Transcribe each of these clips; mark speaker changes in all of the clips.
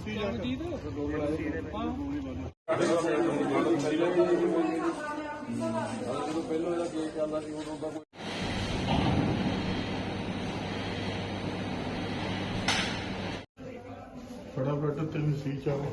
Speaker 1: फटाफट तेन सी चाहो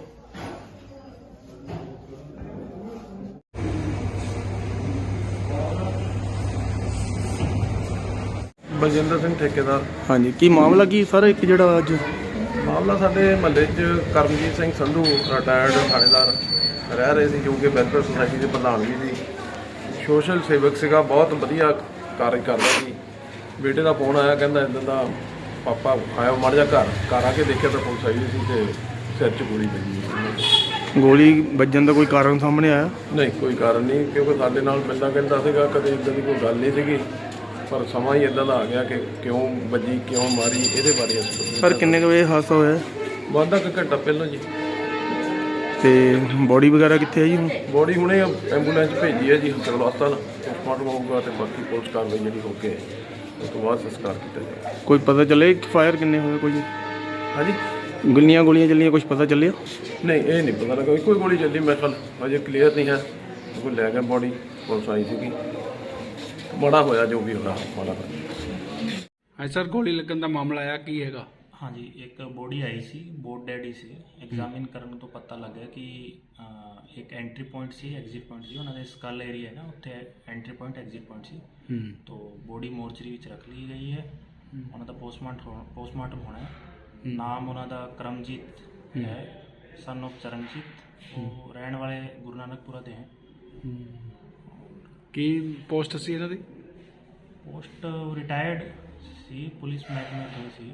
Speaker 1: बलजिंदर सिंह ठेकेदार।
Speaker 2: हाँ जी, की मामला की सर एक जो अज
Speaker 1: मामला साडे महल्ले च करमजीत सिंह संधू रिटायर्ड थानेदार रह रहे थे, जो कि वेलफेयर सोसाइटी के प्रधान भी सी, सोशल सेवक सीगा, बहुत वधिया कार्य करता सी। बेटे का फोन आया, कहता इदां दा पापा आया माड़ा जा घर आके देखा तो पुलिस आई सी ते सिर च गोली लगी।
Speaker 2: गोली बजन का कोई कारण सामने आया?
Speaker 1: नहीं, कोई कारण नहीं, क्योंकि साडे नाल मिलदा कहता सीगा कदे इदां दी कोई गल नहीं सीगी, पर समा ही इदां दा आ गया कि क्यों बजी क्यों मारी, ये बारे
Speaker 2: सर किन्ने बजे हादसा होया?
Speaker 1: वाधा क घंटा पहलों जी।
Speaker 2: ते बॉडी वगैरह कित्थे है जी?
Speaker 1: बॉडी हुणे एंबूलेंस भेजी है जी सिविल हस्पताल, पोस्टमार्टम होगा तो बाकी पुलिस कार्रवाई जी होके उस तो बाद संस्कार किया जाएगा।
Speaker 2: कोई पता चले फायर किन्ने होए? कोई
Speaker 1: हाँ जी,
Speaker 2: गोलियां चलियां, कुछ पता चलिया?
Speaker 1: नहीं ये नहीं पता लगा, कोई गोली चली मेरे ख्याल अजे क्लीयर नहीं है, कोई लै गया बॉडी, पुलिस आई सी, बड़ा होया जो भी होना माड़ा होया।
Speaker 3: हाँ सर, गोली लगन का मामला आया की हैगा?
Speaker 4: हाँ जी, एक बॉडी आई सी बोर्ड डैडी से एग्जामिन करने तो पता लग गया कि एक एंट्री पॉइंट सी एग्जिट पॉइंट सी उन्होंने स्कल एरिया है ना, उत्थे एंट्री पॉइंट एग्जिट पॉइंट सी, तो बॉडी मोर्चरी विच रख ली गई है। उन्होंने पोस्टमार्टम होना है। नाम उन्होंने करमजीत है, सन ऑफ चरणजीत, वो रहने वाले गुरु नानकपुरा के हैं।
Speaker 3: की पोस्ट सी इन्हां दी?
Speaker 4: पोस्ट रिटायर्ड सी, पुलिस महकमे में सी।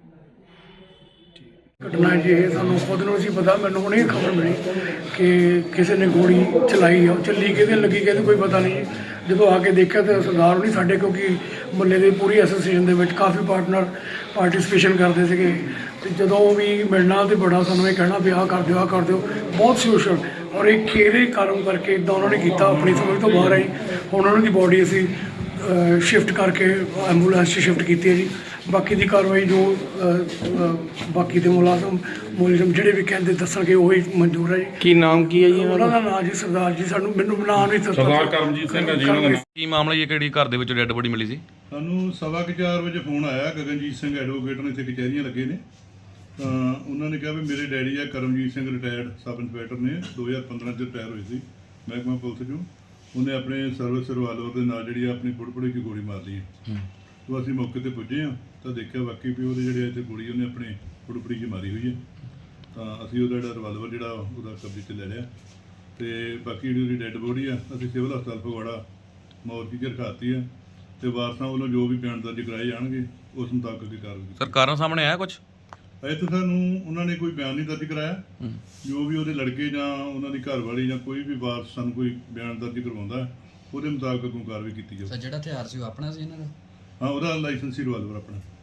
Speaker 5: घटना जी ये सानू खुद नूं सी पता, मैनूं हुणे खबर मिली कि किसी ने गोली चलाई है, चली कि लगी कि कोई पता नहीं। जो आके देखा तो सरदार नहीं साढ़े, क्योंकि मुहल्ले की पूरी एसोसीएशन के काफ़ी पार्टनर पार्टिसिपेशन करते थे, तो जो भी मिलना तो बड़ा सानू ये कहना भी आ कर दो बहुत सोशल, और एक खेरे कारण करके इदा उन्होंने किया, अपनी समझ तो बाहर आई। हुण उन्होंने बॉडी असी शिफ्ट करके एंबूलेंस शिफ्ट की है जी। बाकी की कार्रवाई जो बाकी के मुलाजम ਜਿਹੜੇ भी कहते दसणगे वही मंजूर है जी।
Speaker 2: की नाम की है जी
Speaker 5: उन्होंने नाम जी सरदार जी, सानू मैनू नाम नहीं
Speaker 6: सरदार करमजीत ਸਿੰਘ ਹੈ ਜੀ ਉਹਨਾਂ ਦਾ।
Speaker 7: ਕੀ ਮਾਮਲਾ ਇਹ ਕਿਹੜੀ ਘਰ ਦੇ ਵਿੱਚ ਡੈੱਡ ਬੋਡੀ ਮਿਲੀ ਸੀ?
Speaker 6: ਸਾਨੂੰ 4:15 ਵਜੇ ਫੋਨ ਆਇਆ, ਗਗਨਜੀਤ ਸਿੰਘ ਐਡਵੋਕੇਟ ਨੇ ਇੱਥੇ ਕਚਹਿਰੀਆਂ ਲੱਗੇ ਨੇ, ਤਾਂ ਉਹਨਾਂ ਨੇ ਕਿਹਾ ਵੀ ਮੇਰੇ ਡੈਡੀ ਆ Karamjit Singh retired sub inspector ਨੇ, 2015 ਚ ਰਿਟਾਇਰ ਹੋਏ ਸੀ ਮਹਿਕਮਾ ਪੁਲਿਸ ਚੋਂ। ਉਹਨੇ ਆਪਣੇ ਸਰਵਿਸ ਰਿਵਾਲਵਰ ਦੇ ਨਾਲ ਜਿਹੜੀ ਆਪਣੀ ਫੁੱਟਪੁੜੀ 'ਚ ਗੋਲੀ ਮਾਰ ਲਈ ਹੈ। तो ਅਸੀਂ मौके पर पुजे हाँ, तो देखा वाकई भी वो इतने गोली उन्हें अपने फुटपड़ी च मारी हुई है। तो असी वो रिवाल्वर जो कब्जे च ले लिया, तो बाकी जी डैड बॉडी है असी सिविल हस्पताल फगवाड़ा मौरची च रखाती है, तो वारसां वालों जो भी बयान दर्ज कराए जाएंगे उस मुताबिक की कार्रवाई।
Speaker 7: सर कारण सामने आया कुछ?
Speaker 6: अजे तो सानू उन्होंने कोई बयान नहीं दर्ज कराया, जो भी वो लड़के जां उन्होंने घर वाली जां कोई भी वारस सानू कोई बयान दर्ज करवाउंदा है, वो मुताबिक अगों कार्रवाई की जाए।
Speaker 8: सर जिहड़ा हथियार सी वो अपना सी इन्हां दा?
Speaker 6: हाँ, वो लाइसेंसी रिवाल्वर अपना।